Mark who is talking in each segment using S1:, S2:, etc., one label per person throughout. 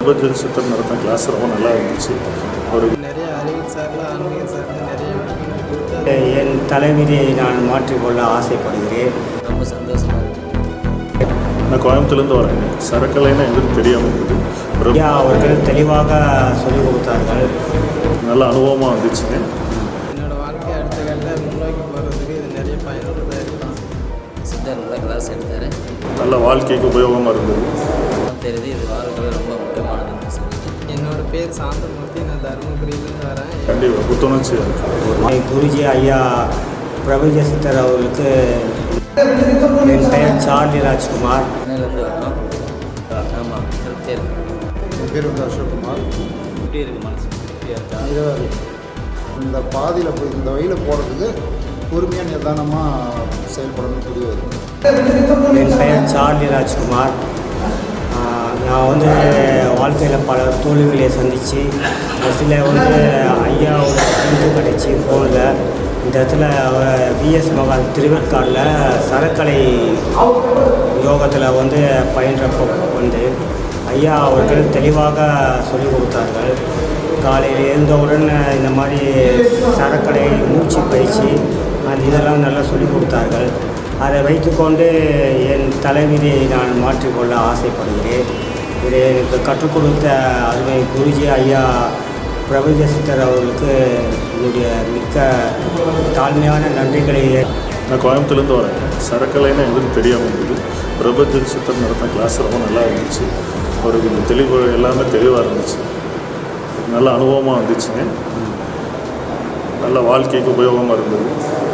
S1: பிரபஞ்ச சித்தர் நடத்தின கிளாஸ் ரொம்ப நல்லா இருந்துச்சு. ஒரு
S2: நிறைய அறிவியல் சார்ந்த ஆன்மீக சார்ந்த நிறைய
S3: என் தலைவிதியை நான் மாற்றிக்கொள்ள ஆசைப்படுகிறேன்.
S2: ரொம்ப சந்தோஷமாக இருக்குது.
S1: நான் கோயம்புத்தூர்லேருந்து வரேங்க. சரக்கலைன்னா எங்களுக்கு தெரியாமல் இருந்தது.
S3: ஐயா அவர்கள் தெளிவாக சொல்லிக் கொடுத்தார்கள்.
S1: நல்ல அனுபவமாக இருந்துச்சுங்க.
S2: என்னோடய வாழ்க்கை அடுத்த கட்ட முன்னோக்கி போகிறதுக்கு இது நிறைய பயனுள்ளதாக இருக்கும். சித்தர் நல்ல கிளாஸ் எடுத்தார்.
S1: நல்ல வாழ்க்கைக்கு உபயோகமாக இருந்தது.
S2: தெரியுது இது வாழ்க்கை ரொம்ப முக்கியமானதுன்னு சொல்லிட்டு. என்னோடய பேர் சாந்தமூர்த்தி. நான் தருமபுரியிலேருந்து வரேன்.
S1: கண்டிப்பாக புத்துணர்ச்சி இருக்குது.
S3: குருஜி ஐயா பிரபஞ்ச சித்தர் அவர்களுக்கு என் பெயர் சார்லி ராஜ்குமார்.
S2: சென்னையிலேருந்து வரோம். ஆமாம், திருப்தியாக இருக்கு.
S4: என் பேர் அசோக்குமார்.
S2: எப்படி இருக்குது மனசு? திருப்தியாக இருக்கா?
S4: இருபது இந்த பாதியில் போய் இந்த வழியில் போகிறதுக்கு பொறுமையாக நிதானமாக செயல்படணும் புரிய வருது.
S3: என் பெயர் சார்லி ராஜ்குமார். நான் வாழ்க்கையில் பல தோல்விகளை சந்தித்து சில ஐயாவோட ஃப்ரெண்டு கிடச்சி ஃபோனில் இந்த இடத்துல விஎஸ் மகால் திருவேற்காடில் சரக்கலை யோகத்தில் பயின்றப்போ ஐயா அவர்கள் தெளிவாக சொல்லிக் கொடுத்தார்கள். காலையில் எழுந்தவுடன் இந்த மாதிரி சரக்கலை மூச்சு பயிற்சி இதெல்லாம் நல்லா சொல்லிக் கொடுத்தார்கள். அதை வைத்துக்கொண்டு என் தலைவிதியை நான் மாற்றிக்கொள்ள ஆசைப்படுகிறேன். இதை எனக்கு கற்றுக் கொடுத்த அருமை குருஜி ஐயா பிரபஞ்ச சித்தர் அவர்களுக்கு என்னுடைய மிக்க தாழ்மையான நன்றிகளை.
S1: நான் கோயம்புத்தூர்லேருந்து வரேங்க. சரக்கலைன்னா எங்களுக்கு தெரியாமல் இருந்தது. பிரபஞ்ச சித்தர் நடத்தின கிளாஸ் ரொம்ப நல்லா இருந்துச்சு. ஒரு தெளிவு எல்லாமே தெளிவாக இருந்துச்சு. நல்ல அனுபவமாக இருந்துச்சுங்க. நல்ல வாழ்க்கைக்கு உபயோகமாக இருந்தது.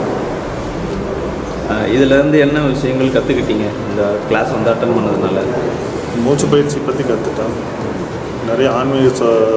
S5: இதிலேருந்து என்ன விஷயங்கள் கற்றுக்கிட்டீங்க இந்த கிளாஸ் அட்டன் பண்ணதுனால?
S1: மூச்சு பயிற்சி பற்றி கற்றுட்டேன். நிறைய ஆன்மீக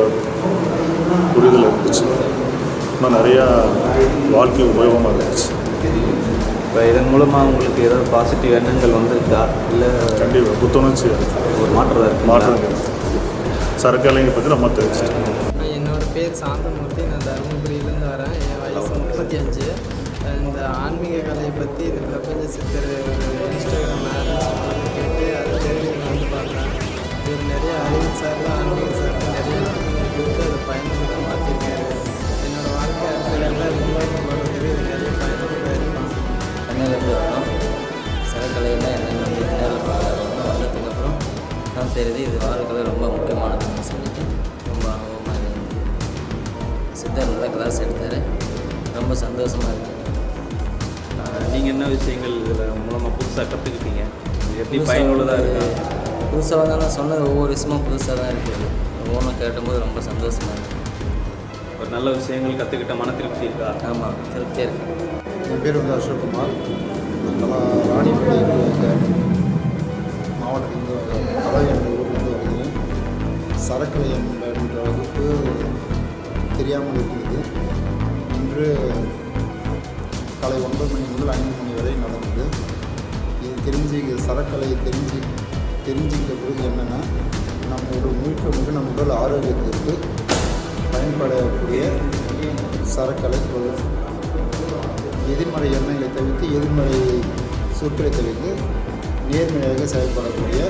S1: புரிதல் இருந்துச்சு. இன்னும் நிறையா வாழ்க்கை உபயோகமாக இருந்துச்சு.
S5: இப்போ இதன் மூலமாக உங்களுக்கு ஏதாவது பாசிட்டிவ் எண்ணங்கள் வந்திருக்கா? இல்லை
S1: கண்டிப்பாக புத்துணர்ச்சியாக இருக்குது.
S5: ஒரு
S1: மாற்றம் இருக்குது. சரக்கலைங்க பற்றி நம்ம தெரிஞ்சுட்டேன்.
S2: என்னோடய பேர் சாந்தமூர்த்தி. நான் தருமபுரியிலேருந்து வரேன். என் வயசு 35. இந்த ஆன்மீக கலையை பற்றி இந்த பிரபஞ்ச சித்தர் ஒரு இன்ஸ்டாகிராம் ஆட் கேட்டு அதை தெரிஞ்சு பார்த்தேன். இது நிறைய அறிவியல் சார்ந்த ஆன்மீக சார்ந்த நிறைய கொடுத்து அதை பயனுள்ளதாக மாற்றிருக்காரு. என்னோடய வாழ்க்கை அடுத்த கட்ட முன்னோக்கி போகிறதுக்கு இது நிறைய பயனுள்ளதாக இருக்கும். சென்னையிலேருந்து வரோம். சரக்கலையெல்லாம் என்னென்ன நேரில் பார்க்குறோம். வந்ததுக்கப்புறம் தான் தெரியுது இது வாழ்க்கையில் ரொம்ப முக்கியமானதுன்னு சொல்லிட்டு ரொம்ப அனுபவமாக இருந்தது. சித்தர் நல்ல கிளாஸ் எடுத்தார். ரொம்ப சந்தோஷமாக இருக்குது.
S5: நீங்கள் என்ன விஷயங்கள் இதில் மூலமாக புதுசாக கற்றுக்கிட்டீங்க? எப்படி பயனுள்ளதாக இருக்கா?
S2: புதுசாக நான் சொன்னது ஒவ்வொரு விஷயமும் புதுசாக தான் இருக்குது. ஒவ்வொன்றும் கேட்டும்போது ரொம்ப சந்தோஷமாக இருக்குது.
S5: ஒரு நல்ல விஷயங்கள் கற்றுக்கிட்ட மன திருப்தி இருக்கா?
S2: ஆமாம், திருப்தியாக இருக்குது.
S4: என் பேர் அசோக்குமார். நாங்களாம் ராணிப்பேட்டை மாவட்டத்திலிருந்து கலை என்ற ஊர்லேருந்து வருகிறேன். சரக்கலை என்ற வகுப்பு தெரியாமல் இருந்தது. இன்று காலை 9 மணி முதல் 5 மணி வரை நடந்தது. இது சரக்கலையை தெரிஞ்சுக்கிட்ட பிறகு என்னென்னா நம்மளோட முழுக்க நம்ம உடல் ஆரோக்கியத்திற்கு பயன்படக்கூடிய சரக்கலை எதிர்மறை எண்ணங்களை தவிர்த்து எதிர்மறை சொற்களை தவிர்த்து நேர்மையாக செயல்படக்கூடிய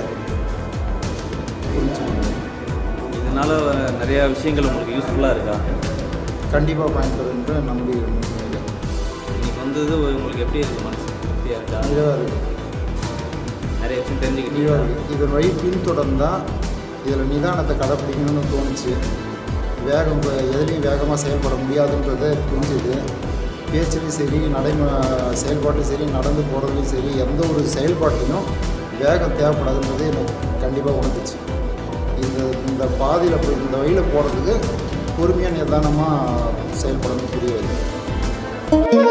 S4: புரிஞ்சு.
S5: இதனால் நிறையா விஷயங்கள் உங்களுக்கு யூஸ்ஃபுல்லாக இருக்கா?
S4: கண்டிப்பாக பயன்படும் என்று நம்புகிறேன்.
S5: இன்றைக்கி வந்தது உங்களுக்கு எப்படி இருக்குது? மனசு திருப்தியாக இருக்கா?
S4: இதாக இருக்குது.
S5: நிறைய விஷயம் தெரிஞ்சுக்கிட்டீங்க.
S4: இதாக இருக்குது. இதன் வழி பின்தொடர்ந்தால் இதில் நிதானத்தை கடைப்பிடிக்கணும்னு தோணுச்சு. எதுலேயும் வேகமாக செயல்பட முடியாதுன்றதை புரிஞ்சுது. பேச்சுலையும் சரி செயல்பாட்டும் சரி நடந்து போகிறதுலையும் சரி எந்த ஒரு செயல்பாட்டிலும் வேகம் தேவைப்படாதுன்றது எனக்கு கண்டிப்பாக உணர்ந்துச்சு. இந்த பாதியில் போய் இந்த வழியில் போகிறதுக்கு பொறுமையாக நிதானமாக செயல்படணும் புரிய வருது.